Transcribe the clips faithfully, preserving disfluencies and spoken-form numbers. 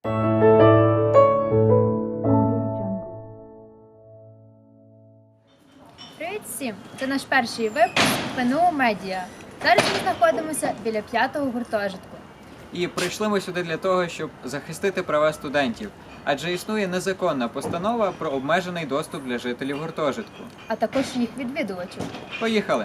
Привіт всім! Це наш перший випуск ПНУ Медіа. Зараз ми знаходимося біля п'ятого гуртожитку. І прийшли ми сюди для того, щоб захистити права студентів, адже існує незаконна постанова про обмежений доступ для жителів гуртожитку. А також їх відвідувачів. Поїхали!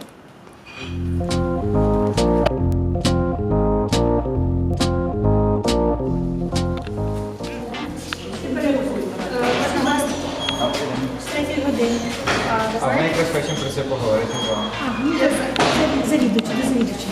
А ми якраз хочемо про це поговорити з вами. Завідувачі, до завідувачі.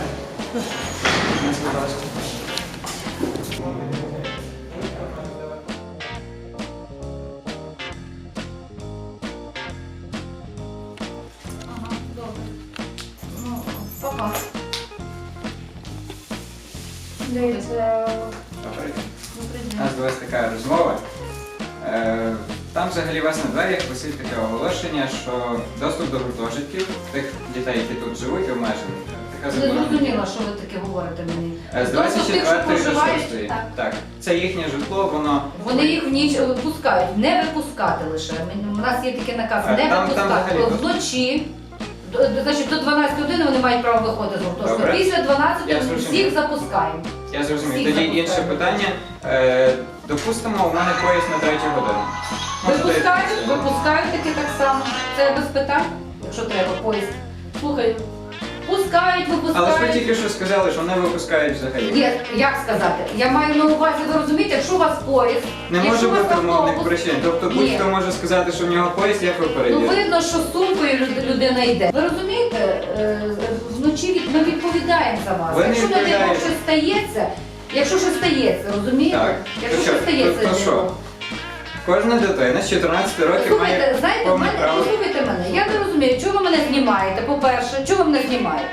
У нас була така розмова. Е, Там взагалі у вас на дверях висить таке оголошення, що доступ до гуртожитків тих дітей, які тут живуть, обмежений. Така Не заборона. зрозуміла, що ви таке говорите мені. Е, З двадцять Тобто тих, що четвертої до проживають, шостої. так. Так. Це їхнє житло, воно... Вони їх в ніч випускають, не випускати лише. У нас є такий наказ, А, не там- там випускати. взагалі Вночі, до, до- значить, до дванадцятої години вони мають право виходити з гуртожитку. Добре. Після Я дванадцятої зрозумів. всіх запускаємо. Я зрозумів. Всіх Тоді запускаємо. інше питання. Е, Допустимо, у мене поїзд на третю годину. Можете- Випускають, випускають таки так само. Це без питань, якщо треба, поїзд. Слухай, пускають, Але ж ви випускають. тільки що сказали, що не випускають взагалі. Є, як сказати? Я маю на увазі, ви розумієте, якщо у вас поїзд, Не якщо може у вас бути умовних автобус- причин. Тобто Ні. будь-хто може сказати, що в нього поїзд, як ви Ну перевірите? видно, що з сумкою люд- людина йде. Ви розумієте, е, вночі від- ми відповідаємо за вас. Ви не Якщо не дай Бог відповідаєте. щось стається, якщо щось стається, розумієте? Так. Якщо То що? щось стається, То- то з що? ним. Кожна дитина з чотирнадцяти років Слухайте, має знаєте, в повне мене, право. послухайте мене, я не розумію, чого ви мене знімаєте, по-перше, чого ви мене знімаєте?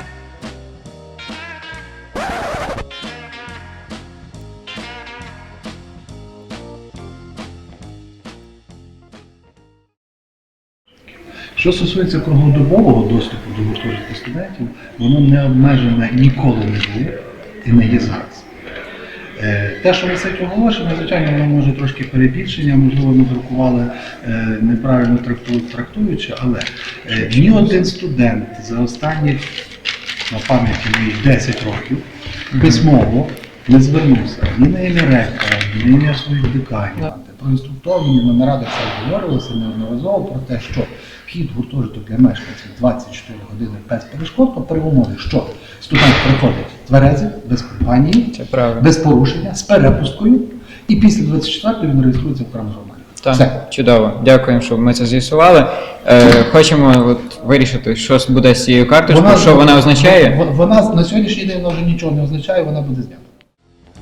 Що стосується круглодобового доступу до гуртожитку студентів, воно не обмежене ніколи не було і не є зараз. Е, Те, що висить оголошення, звичайно, воно може трошки перебільшення, можливо, ми друкували е, неправильно тракту- трактуючи, але е, ні один студент за останні, на пам'яті моїх десять років, письмово не звернувся ні на ім'я ректора, ні на ім'я своїх деканів. Проінструктовані на нарадах це говорилося неодноразово про те, що вхід в гуртожиток для мешканців двадцять чотири години без перешкод при умові, що студент приходить тверезий, без компанії, Це правда. без порушення, з перепусткою, і після двадцять четвертої він реєструється в окремому журналі. Так, Все. чудово. Дякуємо, що ми це з'ясували. Е, хочемо от вирішити, що буде з цією карточкою, що вона означає. Вона на сьогоднішній день вона вже нічого не означає, вона буде знята.